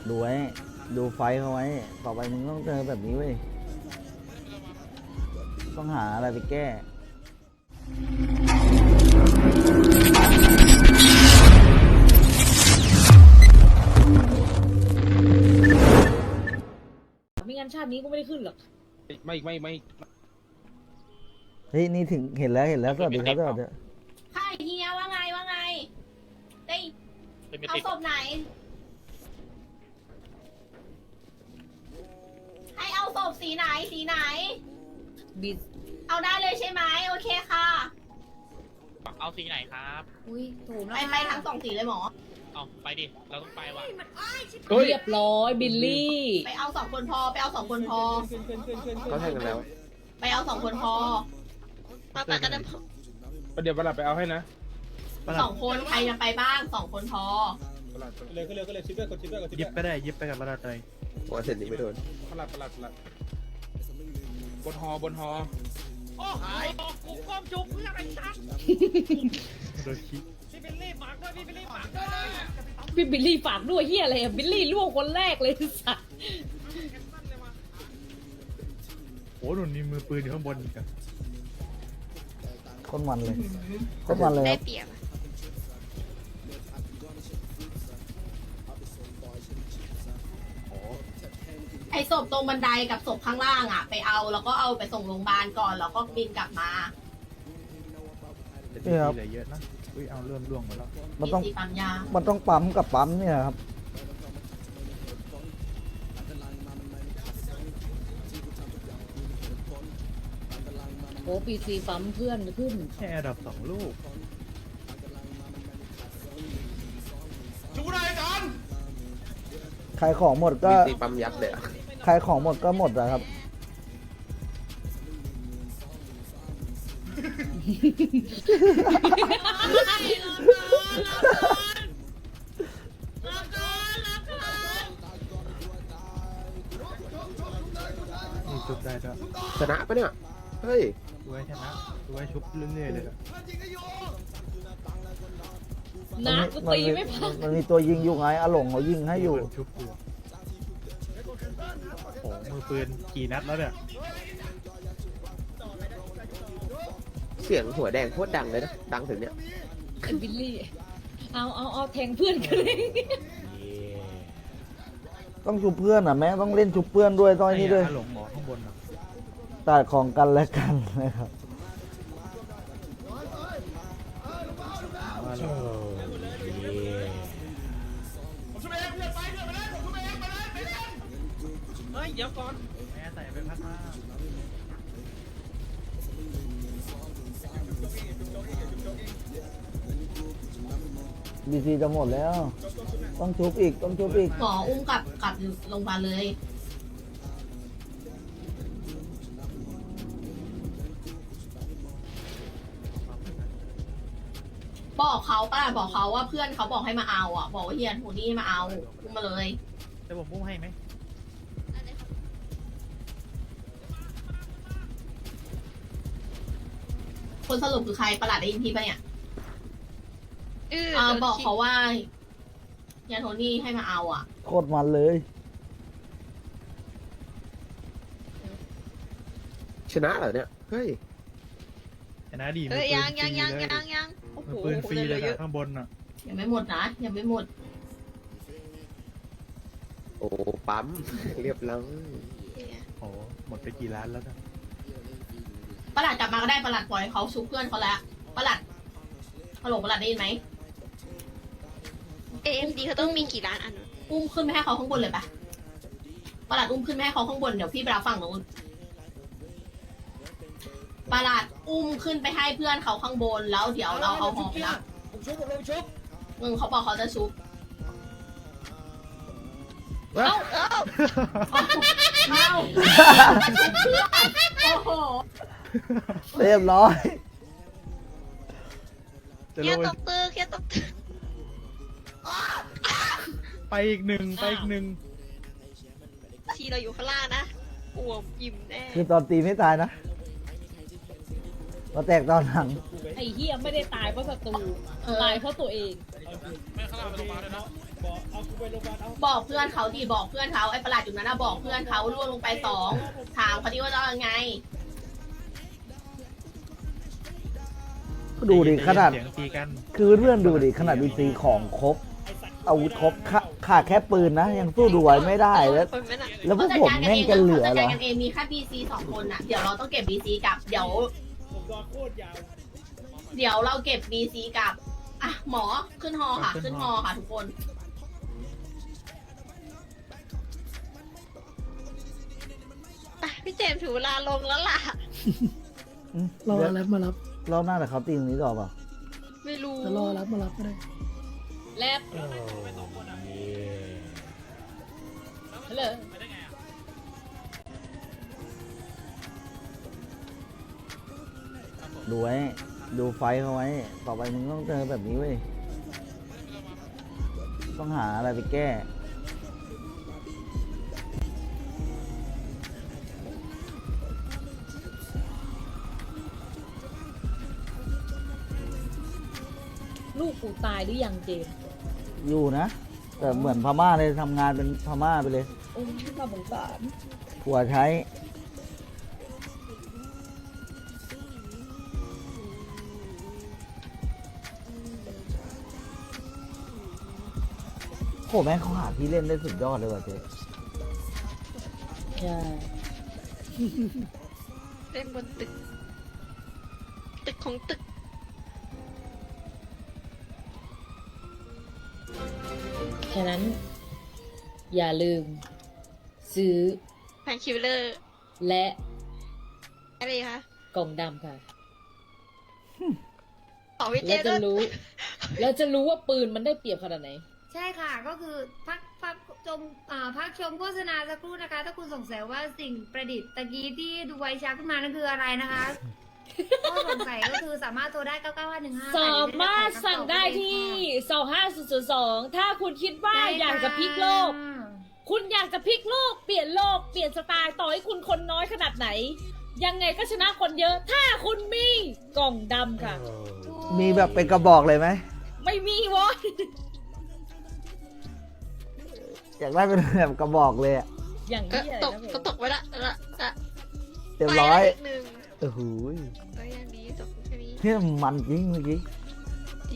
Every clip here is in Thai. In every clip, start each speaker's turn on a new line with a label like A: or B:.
A: ดูไว้ดูไฟเขาไว้ต่อไปมึงต้องเจอแบบนี้เว้ยต้องหาอะไรไปแก้
B: ไม่งั้นชาตินี้ก็ไม่ได้ขึ้นหรอก
C: ไม่
A: เฮ้ยนี่ถึงเห็นแล้วสวัสดีครับสวัสดี
D: ใช่เฮียว่าไงได้เอาศพไหนให้เอาศพสีไหน
B: บิด
D: เอาได้เลยใช่ไหมโอเคค่ะ
E: เอาสีไหนครับ
B: อุ้ยถูก
D: ไปทั้งสองสีเลยหมอ
E: เอาไปดิ เราต้องไปว่ะ
B: เรียบร้อยบิลลี่
D: ไปเอาสองคนพอ
C: เขาแทงกันแล้ว
D: ไปเอาสองคนพอไปกัน
C: เดี๋ยวประหลัดไปเอาให้นะ
D: สองคนใครจะไปบ้างสองคนพอ
C: เลยก็เลยชิปด้วยกดชิปด้วย
F: ยิบก็ได้ยิบไปกับประหลัดเลย
C: หัวเสร็จนี้ไม่โดนประหลัดบนฮอ
E: โอ้หายกูก้มจุกเพื่ออะไรจ๊ะ
F: โดนคิด
E: พี่บิลลี่ฝากด้วยพี่บิลลี่ฝากด้วย
B: พี่บิลลี่ฝากด้วยเฮียอะไรอะบิลลี่ล่วงคนแรกเลยสัตว์
F: โอ้หนุนนี่มือปืนอยู่ข้างบนอีกอะ
A: คนมันเลยคนมันเลยครับ
D: ไอ้ศพตรงบันไดกับศพข้างล่างอ่ะไปเอาแล้วก็เอาไปส่งโรงพยาบาลก่อนแล้วก็บินกลับมา
F: แต่ดีเหลือเยอะนะอุ้ยเอาเริ่มล่วงหมดแล้ว
A: มันต้อง
D: สีปั๊มยา
A: มันต้องปั๊มกับปั๊มเนี่ยครับ
B: โอ้ปีซีปั๊มเพื่อนขึ้น
F: แค่อันดับ2ลูก
E: ชูนายกัน
A: ขายของหมดก็
C: ตีปั๊มยัดเลย
A: ขายของหมดก็หมดนะครับ
F: นี่ชุบได้ด้วย
C: ชนะปะเนี่ย เฮ้ย
F: ดูไว้ชนะดูไว้ชุบเรื่อยๆเลยอะ
B: นะกูตีไม่พัก
A: มันมีตัวยิงอยู่ไงอาหลงเขายิงให้อยู่
F: มีคนชุบอยู่โอ้มือปืนกี่นัดแล้วเนี่ย
C: เสียงหัวแดงโคตรดังเลยนะ ดังถึงเนี่ย
B: ไอ้บิลลี่เอาแทงเพื่อนกันเลย
A: ต้องชุบเพื่อนอ่ะแม่ต้องเล่นชุบเพื่อนด้วยต้องไอ้นี่ด้วย
F: หลงหมอข้างบนอ่ะ
A: ตัดของกันและกันนะครับ
F: ว่าเรา
E: เฮ้ยเดี๋ยวก่อน
F: แม่ใส่ไปพัดมา
A: บีซีจะหมดแล้ว ต้องชุบอีกต้องชุบอีก
D: หมออุ้มกลับโรงพยาบาลเลยบอกเขาว่าเพื่อนเขาบอกให้มาเอาอ่ะบอกว่าเฮียโทนี่มาเอาอุ้มมาเลย
F: แต่ผมพุ่งให้ไหม
D: คนสรุปคือใครประหลัดได้ยินพี่ปะเนี่ยบอกเขาว่าเฮียโทนี่ให้มาเอาอ่ะ
A: โคตรมันเลย
C: ชนะเหรอเนี่ย เฮ้ย
F: ชนะดีมือ
G: เอ้ย
F: ปืน
G: ยัง
F: ฟรีเลย
G: ยังโอ้โห
F: มือปืนฟรีเลย
G: เย
F: นะ
G: อะ
F: ข้างบนอ่ะ
D: ยังไม่หมดนะยังไม่หมด
C: โอ้ปั๊ม เรียบร้อย
F: โอ้หมดไปกี่ล้านแล้วนะ
D: ประหลัดกลับมาก็ได้ประหลัดปล่อยเขาชุบเพื่อนเขาแล้วประหลัดฮัลโหลประหลัดได้ยินไหม
G: AMD เขาต้องมีกี่ล้านอันวะ
D: อุ้มขึ้นไปให้เขาข้างบนเลยปะประหลัดอุ้มขึ้นไปให้เขาข้างบนเดี๋ยวพี่ไปรับฝั่งนู้นประหลัดอุ้มขึ้นไปให้เพื่อนเขาข้างบนแล้วเดี๋ยวเราเอาหอไปรับ
E: ผมชุบ
D: เขาบอกเขาจะชุบ
B: เอ้า
D: เอาโอ้โห
A: เรียบร้อย
F: จะ
G: เค
F: ล
G: รีย
F: ง
G: ดตกตึกเครียดตกตึก
F: ไปอีกหนึ่งไปอีกหนึ่ง
G: ทีเราอยู่ข้างล่างนะอ้วมอิ่มแน่
A: คือตอนตีไม่ตายนะมาแตกตอนหลัง
B: ไอ้เฮียไม่ได้ตายเพราะศัตรูตายเพราะตัวเอง
E: ไม่ข้างล่างไปโรงพยาบาลด้วยนะ
D: บอกเพื่อนเขาดิบอกเพื่อนเขาไอ้ประหลาดอยู่นั้นนะบอกเพื่อนเขาล่วงลงไป2ถามเขาดิว่าจะเอายังไง
A: ดูดิขนาด
F: เสียงตีกัน
A: คือเพื่อนดูดิขนาดบีซีของครบอาวุธครบขาดแค่ปืนนะยังสู้ดูไว้ไม่ได้แล้ว
G: คนไม่น่ะ
A: แล้วพวกผมแม่งจะเหลือ
D: จัด
A: เหร
D: การ
A: อ
D: กันเองมีแค่ BC 2 คนน่ะเดี๋ยวเราต้องเก็บ BC กับเดี๋ยวเราเก็บ BC กับอ่ะหมอขึ้นฮอค่ะขึ้นฮอค่ะทุกคน
G: ไปพี่เจมส์ถือเวลาลงแล้วล่ะ
H: รอรับมารับ
A: รอบหน้าแต่เขาตีตรงนี้ต่อเปล่า
G: ไม่รู้
H: จะรอรับมารับก็ได้
B: แลบฮัลโหล
A: ดูไว้ดูไฟเขาไว้ ต่อไปมึงต้องเจอแบบนี้เว้ยต้องหาอะไรไปแก้
B: ลูกกูตายหรือยังเจมส์
A: อยู่นะ แต่เหมือนพม่าเลยทำงานเป็นพม่าไปเลย
B: โอ้ยน่าสงสาร
A: ผัวใช้โหแม่งเขาหาที่เล่นได้สุดยอดเลยว่ะเจ๊
B: ใช่
G: เล่นบนตึก ตึกของตึก
B: ฉะนั้น อย่าลืม ซื้อ
G: แพนคิวเลอร์
B: และ
G: อะไรคะ
B: กล่องดำค่ะ
G: ต่อพี่เจ
B: แล้ว
G: มส์
B: จะ
G: ด้วย
B: รู้ แล้วจะรู้ว่าปืนมันได้เปรียบขนาดไหน
I: ใช่ค่ะ ก็คือพักชมโฆษณาสักครู่นะคะ ถ้าคุณสงสัยว่าสิ่งประดิษฐ์ตะกี้ที่ดูไวชักขึ้นมานั่นคืออะไรนะคะก็สงสัยก็คือสามารถโทรได้ 99515
B: สามารถสั่งได้ที่ 25002 ถ้าคุณคิดว่าอยากจะพลิกโลก คุณอยากจะพลิกโลก เปลี่ยนโลก เปลี่ยนสไตล์ต่อให้คุณคนน้อยขนาดไหน ยังไงก็ชนะคนเยอะ ถ้าคุณมีกล่องดำค่ะ
A: มีแบบเป็นกระบอกเลยไหม
B: ไม่มีวะ
A: อยากได้เป็นแบบกระบอกเลยอะ
B: อย่าง
G: ก็
B: นี้อะไร
G: ตก
B: นะ
G: ก็ตกไว้ละละ
A: เรียบร้อย
G: ไปละกหนึ่ง
A: โอ้โห
G: ก็ยังดีตกแค่นี้
A: เนี่ยมันจริงเมื่อกี้
G: จริง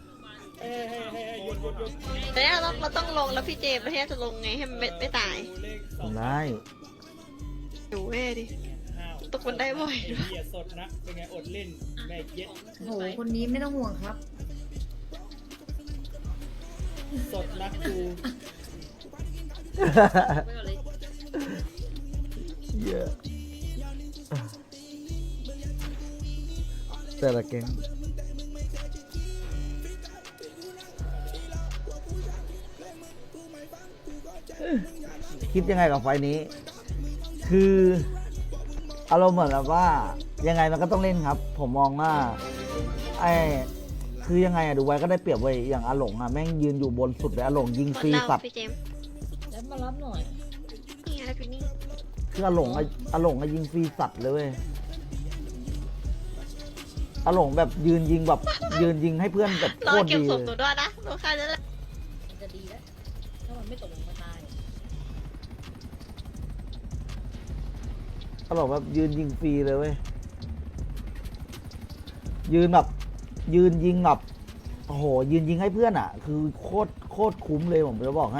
G: แต่เนี่ยเราต้องลงแล้วพี่เจมส์แล้วที่จะลงไงให้มันไม่ตาย
A: ทำได้
G: อยู่เว้ยดิ ตกบันไดบ่อยด้วย
E: เหี้ยสดนะ เป็นไงอดเล่นแม่เย็ด
I: โหคนนี้ไม่ต้องห่วงครับ
E: สดนะกู
A: เยอะแต่ละแก๊งคิดยังไงกับไฟล์นี้ คืออารมณ์เหมือนแบบว่า ยังไงมันก็ต้องเล่นครับ ผมมองว่าคือยังไงอะดูไว้ก็ได้เปรียบไว้ยอย่างอาหลงอะแม่งยืนอยู่บนสุดเลยอาหลงยิง
G: ค
A: ฟ
G: น
A: รี
G: เรา
A: สัตว์
G: พี่เจมส์
B: แล้วมารับหน่อย
G: นี่อะไรพี่นี่
A: คืออาหลงอะยิงฟรีสัตว์เลยเว้ยอาหลงแบบยืนยิงแบบยืนยิงให้เพื่อนแบบ
G: ร
A: โค
G: อ
A: ตร
G: เก็บ
A: ดี
G: ศพ
A: เล
G: ตัวย ด้วยนะรอค่าจะได้
B: มันจะดีแล้ว ถ้ามันไม่ตกลงมาตาย
A: อาหลงแบบยืนยิงฟรีเลยเว้ยยืนแบบยืนยิงแบบโอ้โหยืนยิงให้เพื่อนอ่ะ คือโคตรคุ้มเลยผมจะบอกให้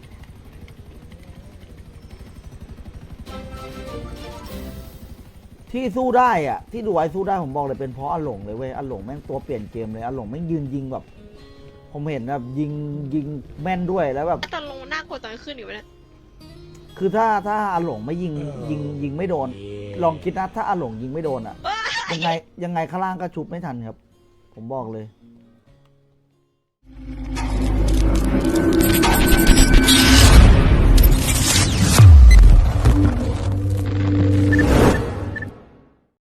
A: ที่สู้ได้อ่ะ ที่ดูไว้สู้ได้ผมบอกเลยเป็นเพราะอาหลงเลยเว้ยอาหลงแม่งตัวเปลี่ยนเกมเลยอาหลงแม่งยืนยิงแบบ ผมเห็นแบบยิงแม่นด้วยแล้วแบบ
G: ตอนลงน่ากลัวตอนขึ้นอยู่นะ
A: คือถ้าอาหลงไม่ยิงไม่โดน ลองคิดนะถ้าอาหลงยิงไม่โดนอ่ะ ยังไงข้างล่างก็ชุบไม่ทันครับ ผมบอกเลย